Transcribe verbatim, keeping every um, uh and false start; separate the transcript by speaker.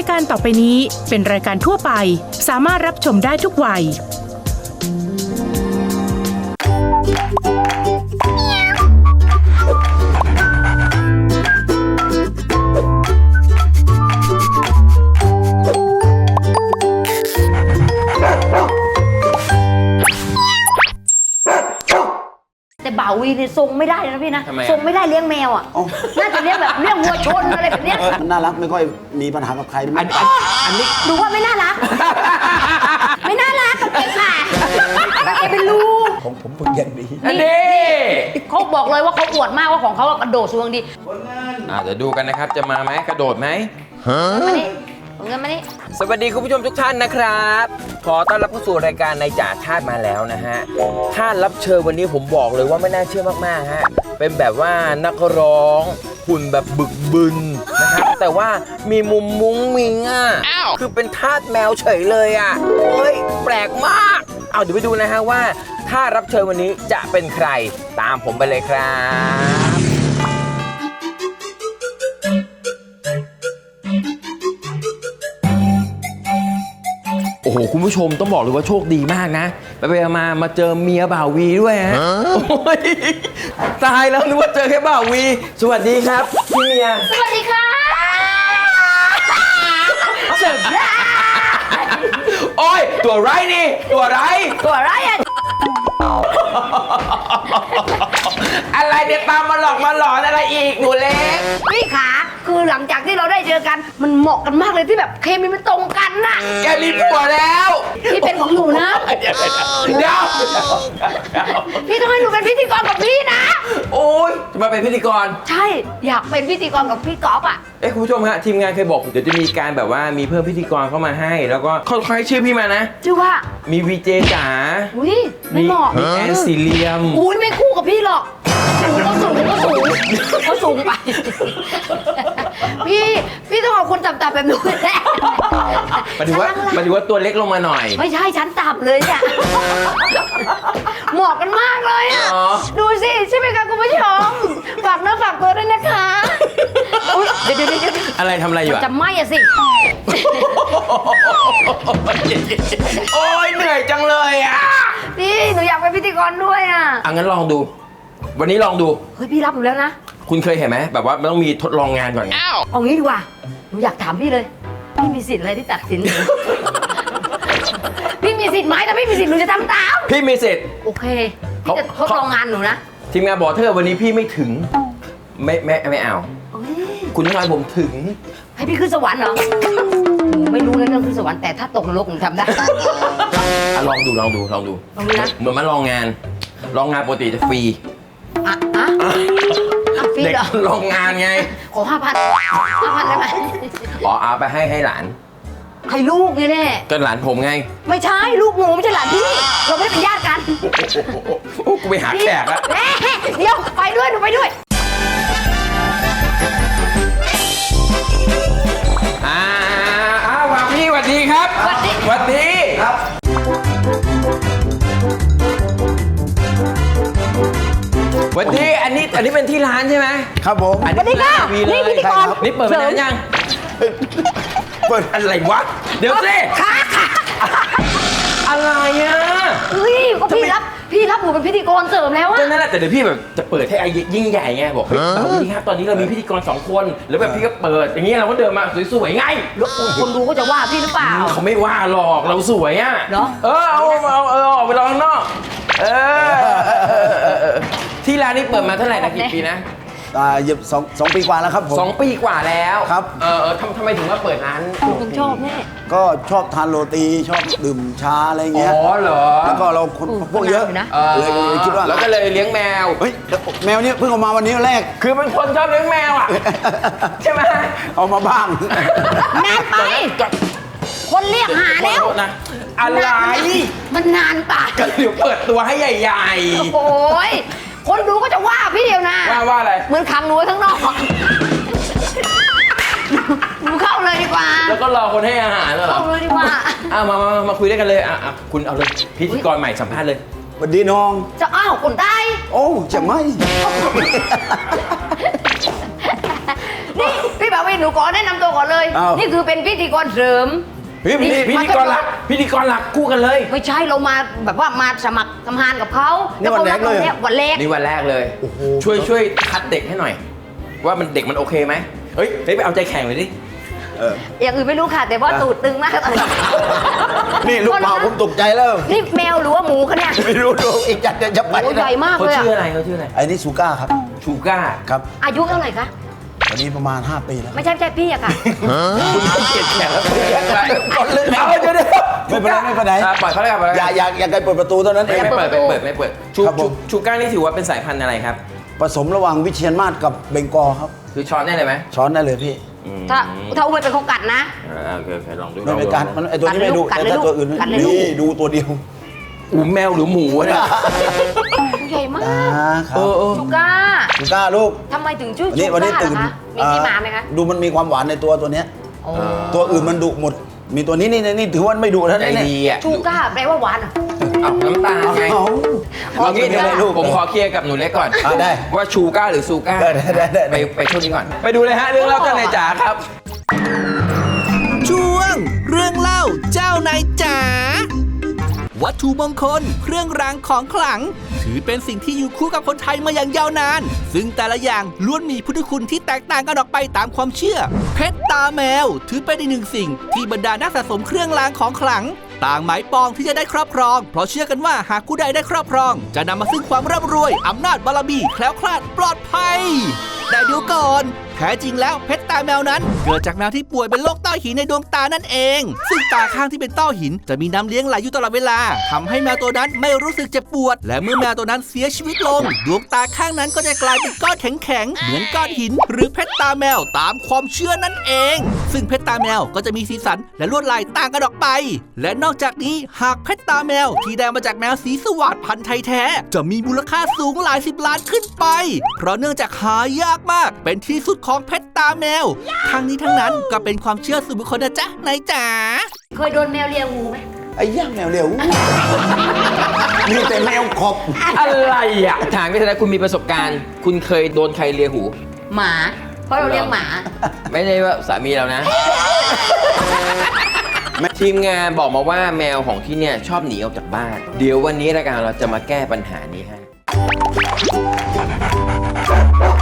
Speaker 1: การต่อไปนี้เป็นรายการทั่วไปสามารถรับชมได้ทุกวัย
Speaker 2: แต่บ่าวีเนี่ยทรงไม่ได้นะพี่นะทรงไม่ได้เลี้ยงแมวอ่ะน่าจะเลี้ยงแบบเลี้ยงวัวชนอะไรแบบเนี้ย
Speaker 3: มันน่ารักไม่ค่อยมีปัญหากับใครอันนี้
Speaker 2: อันนี้ดูว่าไม่น่ารักไม่น่ารักกับเด็กค่ะไอ้เป็นลูก
Speaker 3: ของผมฝึกอย่างดี
Speaker 2: อันนี้เขาบอกเลยว่าเขาอวดมากว่าของเขากระโดดสูงดี
Speaker 4: อ่าเดี๋ยวดูกันนะครับจะมาไหมกระโดดไหม
Speaker 2: มานี่เงินมานี่
Speaker 4: สวัสดีคุณผู้ชมทุกท่านนะครับขอต้อนรับเข้าสู่รายการในจ่าชาติมาแล้วนะฮะท่านรับเชิญวันนี้ผมบอกเลยว่าไม่น่าเชื่อมากๆฮะเป็นแบบว่านักร้องหุ่นแบบบึกบึนนะครับแต่ว่ามีมุมมุ้งมิงอ่ะคือเป็นทาสแมวเฉยเลยอ่ะเฮ้ยแปลกมากเอาเดี๋ยวไปดูนะฮะว่าท่ารับเชิญวันนี้จะเป็นใครตามผมไปเลยครับโอ้โหคุณผู้ชมต้องบอกเลยว่าโชคดีมากนะไปไปมามาเจอเมียบ่าววีด้วยฮะตายแล้วนึกว่าเจอแค่บ่าววีสวัสดีครับพี่เมีย
Speaker 2: สวัสดีค่ะ
Speaker 4: เสร็จโอ้ยตัวไรนี่ตัวไร
Speaker 2: ตัวไรอ่ะ
Speaker 4: อะไรเดี๋ยวตามมาหลอกมาหลอนอะไรอีกหนูเล็ก
Speaker 2: พี่ขาคือหลังจากที่เราได้เจอกันมันเหมาะกันมากเลยที่แบบเคมีมันตรงกันน่ะ
Speaker 4: แกมีผัวแล้ว
Speaker 2: พี่เป็นของหนูนะ
Speaker 4: เดี๋ยวเดี๋ยว
Speaker 2: พี่ต้องให้หนูเป็นพิธีกรกับพี่นะ
Speaker 4: โอ้ยจะมาเป็นพิธีกร
Speaker 2: ใช่อยากเป็นพิธีกรกับพี่ก๊อฟอ่ะ
Speaker 4: เอ้คุณผู้ชมฮะทีมงานเคยบอกเดี๋ยวจะมีการแบบว่ามีเพิ่มพิธีกรเข้ามาให้แล้วก็ค่อยๆชื่อพี่มานะ
Speaker 2: ชื่อว่า
Speaker 4: มีวีเจจ๋า
Speaker 2: อุ้ยไม่เหมาะ
Speaker 4: มีแอนซีเลียม
Speaker 2: อุ้ยไม่คู่กับพี่หรอกสูงก็สูงก็สูงเขาสูงไปพี่พี่ต้องเอาคนต่ำๆแบบหนูแหละ
Speaker 4: หมายถึงว่าหมายถึงว่าตัวเล็กลงมาหน่อย
Speaker 2: ไม่ใช่ชั้นต่ำเลยเนี่ยเหมาะกันมากเลยอ่ะดูสิใช่ไหมคะคุณผู้ชมฝากเนื้อฝากตัวด้วยนะคะเดี๋ยวเดี๋ยวเดี๋ยว
Speaker 4: อะไรทำอะไรอยู่
Speaker 2: จะไหม้อะสิ
Speaker 4: โอ้ยเหนื่อยจังเลยอ่ะ
Speaker 2: นี่หนูอยากเป็นพิธีกรด้วยอ่ะ
Speaker 4: อ่ะงั้นลองดูวันนี้ลองดู
Speaker 2: เฮ้ยพี่รับหนูแล้วนะ
Speaker 4: คุณเคยเห็นไหมแบบว่ามันต้องมีทดลองงานก่อนไง
Speaker 2: เอางี้ดีกว่าหนูอยากถามพี่เลยพี่มีสิทธิ์อะไรที่ตัดสินหนูพี่มีสิทธิ์ไหมถ้าพี่มีสิทธิ์หนูจะทำตาม
Speaker 4: พี่มีสิทธิ์
Speaker 2: โอเคพี่จะทดลองงานหนูนะ
Speaker 4: ทีมงานบอกเธอวันนี้พี่ไม่ถึงไม่ไม่ไม่เอาคุณต้องให้ผมถึง
Speaker 2: ให้พี่ขึ้นสวรรค์เหรอหนูไม่รู้เรื่องขึ้นสวรรค์แต่ถ้าตกนรกหนูทำได้
Speaker 4: ลองดูลองดูลองดู
Speaker 2: ลองดูนะ
Speaker 4: เหมือนมาลองงานลองงานปกติจะฟรี
Speaker 2: อ่ะอ่ะฟรีเหรอ
Speaker 4: ลองงานไง
Speaker 2: ขอห้าพันห้าพันได้ไหม
Speaker 4: อ๋อเอาไปให้ให้หลาน
Speaker 2: ให้ลูกนี่แน่
Speaker 4: ก็หลานผมไง
Speaker 2: ไม่ใช่ลูกหนูไม่ใช่หลานพี่เราไม่ได้เป็นญาติกัน
Speaker 4: โอ้กูไปหาแขกแล้ว
Speaker 2: เดี๋ยวไปด้วยหนูไปด้วย
Speaker 4: อ่าอ้าวพี่สวัสดีครับ
Speaker 2: สวัสดี
Speaker 4: สวัสดีครับวันนี้อันนี้อันนี้เป็นที่ร้านใช่ไหม
Speaker 3: ครับผม
Speaker 4: อันนี้ร้านวีเลย
Speaker 2: นี่พิธีกร
Speaker 4: นี่เปิดมานานยังเปิดอะไรวะเดี๋ยวสิอะไรอ่ะ
Speaker 2: เฮ้ยก็พี่รับพี่รับหนูเป็นพิธีกรเสริมแล้วอะ
Speaker 4: นั่นแหละแต่เดี๋ยวพี่แบบจะเปิดให้ยิ่งใหญ่ไงบอกเฮ้ยสวัสดีครับตอนนี้เรามีพิธีกรสองคนแล้วแบบพี่ก็เปิดอย่างเงี้ยเราก็เดินมาสวยๆไง
Speaker 2: แล้วคนดูก็จะว่าพี่หรือเปล่า
Speaker 4: เขาไม่ว่าหรอกเราสวยอ่ะ
Speaker 2: เนาะ
Speaker 4: เออเอาเอาเออออกไปรอข้างนอกเออที่ร้านนี้เปิดมาเท่าไหร่นะกี่ปีนะ
Speaker 3: อ่าหยิบสองสองปีกว่าแล้วครับผม
Speaker 4: สองปีกว่าแล้ว
Speaker 3: ครับ
Speaker 4: เออทำทำไมถึงว่าเปิดร้าน
Speaker 2: คุณชอบแน่
Speaker 3: ก็ชอบทานโรตีชอบดื่มชาอะไรเงี้ย
Speaker 4: อ๋อเหรอ
Speaker 3: แล้วก็เราคนพวกเยอะเลยเลยคิดว่า
Speaker 4: แล้วก็เลยเลี้ยงแมว
Speaker 3: เฮ้ยแมวเนี่ยเพิ่งเอามาวันนี้แรก
Speaker 4: คือเป็นคนชอบเลี้ยงแมวอ่ะใช่ไหม
Speaker 3: เอามาบ้าง
Speaker 2: นานไปคนเรียกหาแล้ว
Speaker 4: นะอะไร
Speaker 2: มันนานไป
Speaker 4: ก็เดี๋ยวเปิดตัวให้ใหญ่
Speaker 2: ๆโอ้ยคนดูก็จะว่าพี่เดียวนะ
Speaker 4: ว่าว่าอะไร
Speaker 2: เหมือนขังหนูทั้งนอกหนูเข้าเลยดีกว่า
Speaker 4: แล้วก็รอคนให้อาหารเหรอ
Speaker 2: เข้าเลยดีกว่า
Speaker 4: อ่ะมามามาคุยด้วยกันเลยอ่ะคุณเอาเลยพิธีกรใหม่สัมภาษณ์เลย
Speaker 3: สวัสดีน้อง
Speaker 2: จะอ้าวคนใต้
Speaker 3: โอ้จะไม่
Speaker 2: นี่พี่บ่าววีหนูขอแนะนำตัวก่อนเลย
Speaker 3: อ้าว
Speaker 2: นี่คือเป็นพิธีกรเสริม
Speaker 4: เฮ้ยพิธีพิธีกรหลักพิธีกรหลักคู่กันเลย
Speaker 2: ไม่ใช่เรามาแบบว่ามาสมัครทำงานกับเขา
Speaker 3: นี่วันแรกเลย
Speaker 2: วันแรก
Speaker 4: นี่วันแรกเลยช่วยช่วยคัดเด็กให้หน่อย ว่ามันเด็กมันโอเคไหมเฮ้ยเฮ้ยไปเอาใจแข่งเลยดิ
Speaker 3: เออ
Speaker 2: อย่างอื่นไม่รู้ค่ะ แต่ว่าตูดตึงมากตอนนี้
Speaker 3: นี่ลูกเปล่าผมตกใจแล้ว
Speaker 2: นี่แมวหรือว่าหมูคะเนี่ย
Speaker 3: ไม่รู้ดูอีกจัดจะไป
Speaker 2: โอ้ใหญ่มาก
Speaker 4: เขา
Speaker 2: เลย
Speaker 4: ชื่อ
Speaker 2: อะ
Speaker 4: อะไรเขาชื่ออะไร
Speaker 3: ไอ้นี่ซูก้าครับ
Speaker 4: ชูก้า
Speaker 3: ครับ
Speaker 2: อายุเท่าไหร่คะ
Speaker 3: วันนี้ประมาณห้าปีแล้ว
Speaker 2: ไม่ใช่ไม่ใช่พี่อะค่ะ
Speaker 4: คุณต้องเกลียดแข่งแล้วคุณแข่งไป
Speaker 3: ก่อนเลย
Speaker 4: เอาเดี๋ยวเดี๋ยว
Speaker 3: ไม่เป็นไรไม่เป็นไร
Speaker 4: อ่ะปล่อยเขาเลยครับปล่อย
Speaker 3: อย่าอย่าอย่าไกลเปิดประตูเท่านั้นเอ
Speaker 4: ไม่
Speaker 3: ง
Speaker 4: ไม่เปิดไม่เปิดไม่เปิดชู
Speaker 3: ครับผ
Speaker 4: ชู
Speaker 3: ม
Speaker 4: ชูก้านี่ถือว่าเป็นสายพันธุ์อะไรครับ
Speaker 3: ผสมระหว่างวิเชียรมาศกับเบงกอลครับ
Speaker 4: คือช้อนได้เลยไหม
Speaker 3: ช้อนได้เลยพี่
Speaker 2: ถ้าถ้าอุ้มเป็นเขากัดนะ
Speaker 4: อ่าโอเคโอเคลองดู
Speaker 3: ไม่เป็นการมันไอตัวนี้ไม่ดู
Speaker 2: กัดเลย
Speaker 3: แต่
Speaker 2: ลูก
Speaker 3: ตัวอื่น
Speaker 2: กัดเลยลูก
Speaker 3: นี่ดูตัวเดียว
Speaker 4: อูแมวหรือหมูวะเนี่ย
Speaker 2: ใหญ่มาก
Speaker 3: อ่าครั
Speaker 4: เอบ อเออ
Speaker 2: ชูก้า
Speaker 3: ซูก้าลูก
Speaker 2: ทำไมถึงชื่อ
Speaker 3: วันนี้
Speaker 2: ชู
Speaker 3: วันนี้
Speaker 2: ก้า
Speaker 3: ตื่น
Speaker 2: ล่ะคะมีที่มาไหมคะ
Speaker 3: ดูมันมีความหวานในตัวตัวเนี้ย
Speaker 2: โอ้
Speaker 3: ตัวอื่นมันดุหมด มีตัวนี้นี่นี่นี่ถือว่าไม่ดุแล้ว
Speaker 4: ใจ
Speaker 3: นะเนี่ย
Speaker 4: ดีอ่ะ
Speaker 2: ชูก้าแปลว่าหวานเหรอ
Speaker 4: เอาน้ำตาลไง
Speaker 3: เอา
Speaker 4: เอางี้
Speaker 3: ไม่
Speaker 4: เดี๋ยว
Speaker 3: เป็นไรลูก
Speaker 4: ผมขอเคลียร์กับหนูเล็กก่อน
Speaker 3: อ่ะได้
Speaker 4: ว่าชูก้าหรือซูก้า
Speaker 3: ได้ได้ได้ได้
Speaker 4: ไปไปช่วงนี้ก่อน ไปดูเลยฮะเรื่องเล่าเจ้านายจ๋าครับ
Speaker 5: ช่วงเรื่องเล่าเจ้านายจ๋าวัตถุมงคลเครื่องรางของขลัง ถือเป็นสิ่งที่อยู่คู่กับคนไทยมาอย่างยาวนาน ซึ่งแต่ละอย่างล้วนมีพุทธคุณที่แตกต่างกันออกไปตามความเชื่อ เพชรตาแมวถือเป็นอีกหนึ่งสิ่งที่บรรดานักสะสมเครื่องรางของขลัง ต่างหมายปองที่จะได้ครอบครอง เพราะเชื่อกันว่าหากผู้ใดได้ครอบครอง จะนำมาซึ่งความร่ำรวยอำนาจบารมีแคล้วคลาดปลอดภัยแต่เดี๋ยวก่อนแท้จริงแล้วเพชรตาแมวนั้น เกิดจากแมวที่ป่วยเป็นโรคต้อหินในดวงตานั่นเอง ซึ่งตาข้างที่เป็นต้อหินจะมีน้ำเลี้ยงไหลอยู่ตลอดเวลาทำให้แมวตัวนั้นไม่รู้สึกเจ็บปวด และเมื่อแมวตัวนั้นเสียชีวิตลง ดวงตาข้างนั้นก็จะกลายเป็นก้อนแข็งๆเหมือนก้อนหิน หรือเพชรตาแมวตามความเชื่อนั่นเอง ซึ่งเพชรตาแมวก็จะมีสีสันและลวดลายต่างกันออกไป และนอกจากนี้หากเพชรตาแมวที่ได้มาจากแมวสีสวัสดพันธุ์ไทยแท้จะมีมูลค่าสูงหลายสิบล้านขึ้นไป เพราะเนื่องจากหายากมากเป็นที่สุดของเพชรตาแมวทั้งนี้ทั้งนั้นก็เป็นความเชื่อส่วนบุคคลนะจ๊ะนายจ๋า
Speaker 2: เคยโดนแมวเลียหูไหม
Speaker 3: ไอ้ย่างแมวเร็วนี่แต่แมวขอบ
Speaker 4: อะไรอ่ะถามพี่ธนาคุณมีประสบการณ์ คุณเคยโดนใครเลียหู
Speaker 2: หมา เพราะเราเลี้ยงหมา
Speaker 4: ไม่ได้ว่าสามีเรานะ ทีมงานบอกมาว่าแมวของที่เนี่ยชอบหนีออกจากบ้าน เดี๋ยววันนี้รายการเราจะมาแก้ปัญหานี้ให้